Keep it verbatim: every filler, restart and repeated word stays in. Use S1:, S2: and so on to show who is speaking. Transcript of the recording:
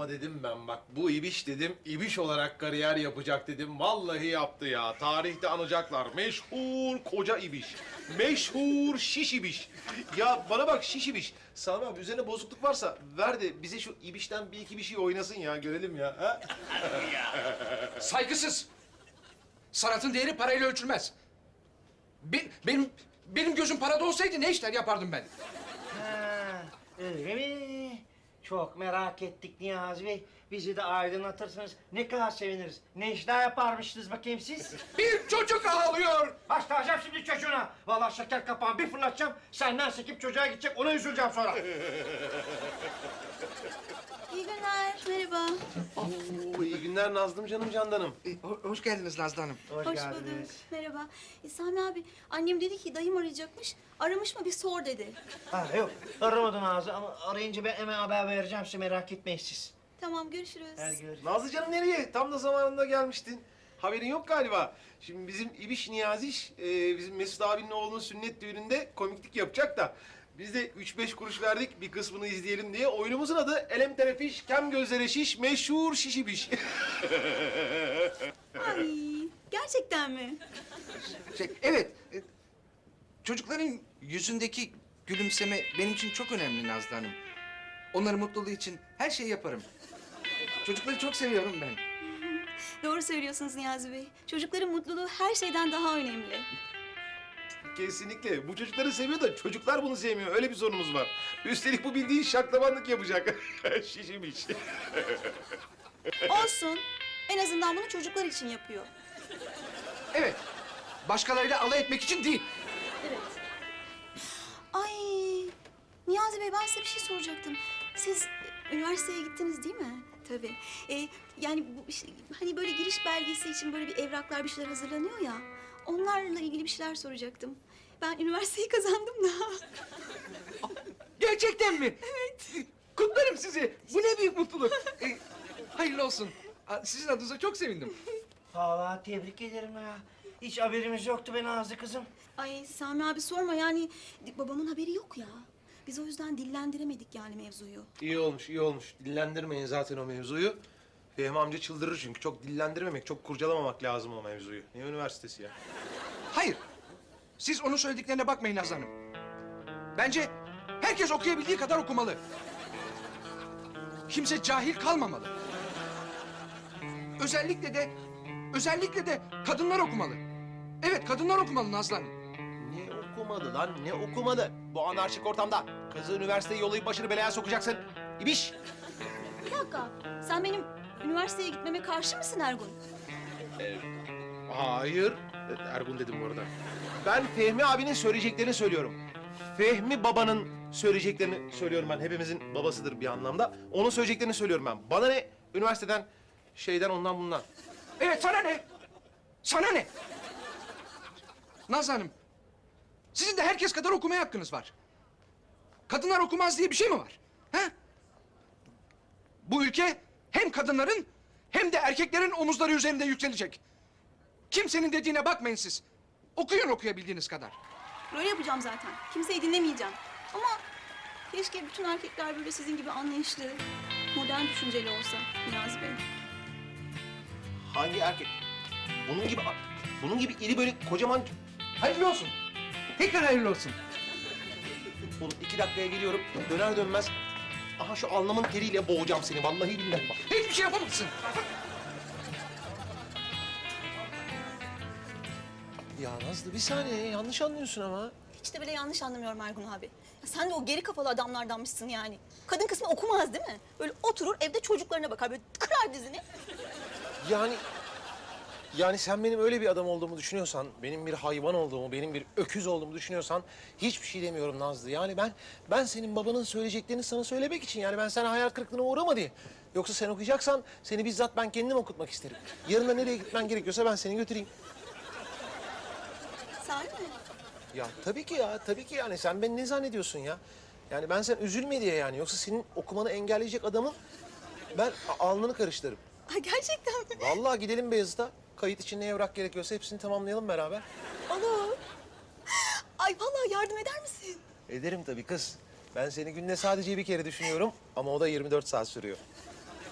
S1: Ama dedim ben bak bu İbiş dedim, İbiş olarak kariyer yapacak dedim. Vallahi yaptı ya. Tarihte anacaklar. Meşhur koca İbiş. Meşhur şiş İbiş. Ya bana bak şiş İbiş. Sami abi üzerine bozukluk varsa ver de bize şu İbiş'ten bir iki bir şey oynasın ya. Görelim ya. Ha?
S2: Saygısız. Sanatın değeri parayla ölçülmez. Be- benim benim gözüm parada olsaydı ne işler yapardım ben?
S3: Ha, öyle mi? Çok merak ettik Niyazi Bey. Bizi de aydınlatırsanız ne kadar seviniriz. Ne işler yaparmışsınız bakayım siz?
S2: Bir çocuk ağlıyor.
S3: Başlayacağım şimdi çocuğuna. Vallahi şeker kapağını bir fırlatacağım. Senden sekip çocuğa gidecek, ona üzüleceğim sonra.
S4: İyi günler, merhaba.
S1: Oo, iyi günler Nazlım canım candanım.
S2: E, ho- hoş geldiniz Nazlı Hanım.
S3: Hoş,
S4: Hoş
S3: geldiniz.
S4: bulduk, merhaba. E, Sami abi, annem dedi ki dayım arayacakmış. Aramış mı bir sor dedi.
S3: Ha yok, aramadım Nazlı ama arayınca ben hemen haber vereceğim size, merak etmeyin siz.
S4: Tamam, görüşürüz.
S3: Hadi görüşürüz.
S1: Nazlı canım nereye? Tam da zamanında gelmiştin. Haberin yok galiba. Şimdi bizim İbiş Niyaziş, e, bizim Mesut abinin oğlunun sünnet düğününde komiklik yapacak da... Biz de üç beş kuruş verdik bir kısmını izleyelim diye. Oyunumuzun adı Elem Terefiş, Kem Gözlere Şiş, Meşhur Şişibiş.
S4: Ay, gerçekten mi?
S2: Şey, evet. e, çocukların yüzündeki gülümseme benim için çok önemli Nazlı Hanım. Onların mutluluğu için her şeyi yaparım. Çocukları çok seviyorum ben.
S4: Doğru söylüyorsunuz Niyazi Bey. Çocukların mutluluğu her şeyden daha önemli.
S1: Kesinlikle. Bu çocukları seviyor da çocuklar bunu sevmiyor. Öyle bir sorunumuz var. Üstelik bu bildiğin şaklabanlık yapacak. Şişimiş.
S4: Olsun. En azından bunu çocuklar için yapıyor.
S2: Evet. Başkalarıyla alay etmek için değil.
S4: Evet. Ay, Niyazi Bey ben size bir şey soracaktım. Siz e, üniversiteye gittiniz değil mi? Tabii. E, yani bu işte, hani böyle giriş belgesi için böyle bir evraklar bir şeyler hazırlanıyor ya. Onlarla ilgili bir şeyler soracaktım. Ben üniversiteyi kazandım da.
S2: Gerçekten mi? Evet. Kutlarım sizi. Bu ne büyük mutluluk. E, hayırlı olsun. A, Sizin adınıza çok sevindim.
S3: Vallahi tebrik ederim ya. Hiç haberimiz yoktu be Nazlı kızım.
S4: Ay Sami abi sorma yani babamın haberi yok ya. Biz o yüzden dillendiremedik yani mevzuyu.
S1: İyi olmuş, iyi olmuş. Dillendirmeyin zaten o mevzuyu. Fehmi amca çıldırır çünkü. Çok dillendirmemek, çok kurcalamamak lazım o mevzuyu. Ne üniversitesi ya?
S2: Hayır. Siz onun söylediklerine bakmayın Nazlı Hanım. Bence herkes okuyabildiği kadar okumalı. Kimse cahil kalmamalı. Özellikle de, özellikle de kadınlar okumalı. Evet, kadınlar okumalı Nazlı Hanım.
S1: Ne okumadı lan, ne okumadı? Bu anarşik ortamda kızı üniversiteye yollayıp başını belaya sokacaksın. İbiş!
S4: Bir dakika sen benim üniversiteye gitmeme karşı mısın Ergun?
S1: Hayır. Ergun dedim bu arada. Ben Fehmi abinin söyleyeceklerini söylüyorum. Fehmi babanın söyleyeceklerini söylüyorum ben. Hepimizin babasıdır bir anlamda. Onun söyleyeceklerini söylüyorum ben. Bana ne? Üniversiteden, şeyden, ondan bundan.
S2: Evet, sana ne? Sana ne? Nazlı Hanım, sizin de herkes kadar okumaya hakkınız var. Kadınlar okumaz diye bir şey mi var? Ha? Bu ülke hem kadınların hem de erkeklerin omuzları üzerinde yükselecek. Kimsenin dediğine bakmayın siz. Okuyun okuyabildiğiniz kadar.
S4: Böyle yapacağım zaten. Kimseyi dinlemeyeceğim. Ama keşke bütün erkekler böyle sizin gibi anlayışlı, modern düşünceli olsa Niyazi Bey.
S1: Hangi erkek? Bunun gibi, bunun gibi iri böyle kocaman...
S2: Hayırlı olsun. Tekrar hayırlı olsun.
S1: Oğlum iki dakikaya geliyorum. Döner dönmez... Aha şu alnımın teriyle boğacağım seni. Vallahi billahi bak.
S2: Hiçbir şey yapamazsın.
S1: Ya Nazlı bir saniye. Yanlış anlıyorsun ama.
S4: Hiç de bile yanlış anlamıyorum Ergun abi. Ya sen de o geri kafalı adamlardanmışsın yani. Kadın kısmı okumaz değil mi? Böyle oturur evde çocuklarına bakar böyle kırar dizini.
S1: Yani... Yani sen benim öyle bir adam olduğumu düşünüyorsan, benim bir hayvan olduğumu, benim bir öküz olduğumu düşünüyorsan hiçbir şey demiyorum Nazlı. Yani ben ben senin babanın söyleyeceklerini sana söylemek için yani ben sana hayal kırıklığına uğrama diye. Yoksa sen okuyacaksan seni bizzat ben kendim okutmak isterim. Yarın da nereye gitmen gerekiyorsa ben seni götüreyim.
S4: Sahi mi?
S1: Ya tabii ki ya, tabii ki yani sen beni ne zannediyorsun ya? Yani ben sen üzülme diye yani. Yoksa senin okumanı engelleyecek adamın ben a- alnını karıştırırım.
S4: Ay gerçekten mi?
S1: Vallahi gidelim Beyazıt'a. Kayıt için ne evrak gerekiyorsa hepsini tamamlayalım beraber.
S4: Olur. Ay vallahi yardım eder misin?
S1: Ederim tabii kız. Ben seni günde sadece bir kere düşünüyorum ama o da yirmi dört saat sürüyor.